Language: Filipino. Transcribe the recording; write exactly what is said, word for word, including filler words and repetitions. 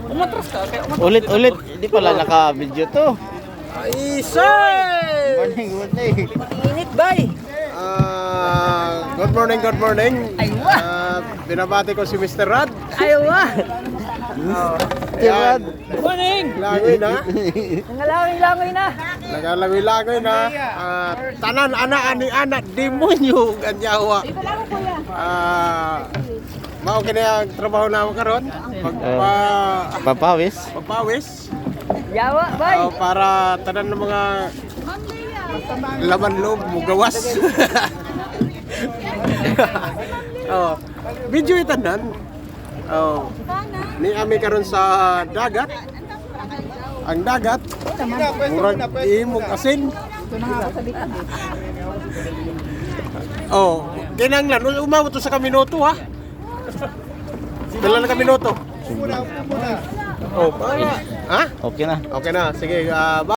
Umatras ka. Kaya umatras. Ulit, ulit. Hindi pala naka-video to. Isay! Morning, morning. Init, bay. Ah, good morning, good morning. Aywa. Ah, binabati ko si Mister Rad. Ayaw Tirad. Morning. Langoy na. Nangalawin-langoy na. Nagalangoy-langoy na. Ah, tanan ana ani anak demonyo ganyawa. Ah, mao kini ang trabaho na ako karon. Pagpa Papawis. pagpawis. Yawa, bay. Oh, para tanan ng mga laman loob mo gawas. Oh, video itanan. Oh. Ni ami karon sa dagat. Ang dagat murag imong asin. Oh, kinanglan umabot to sa kaminoto ha. Dala na kaminoto. Oh, para. Ha? Okay na. Okay na. Sige, ah,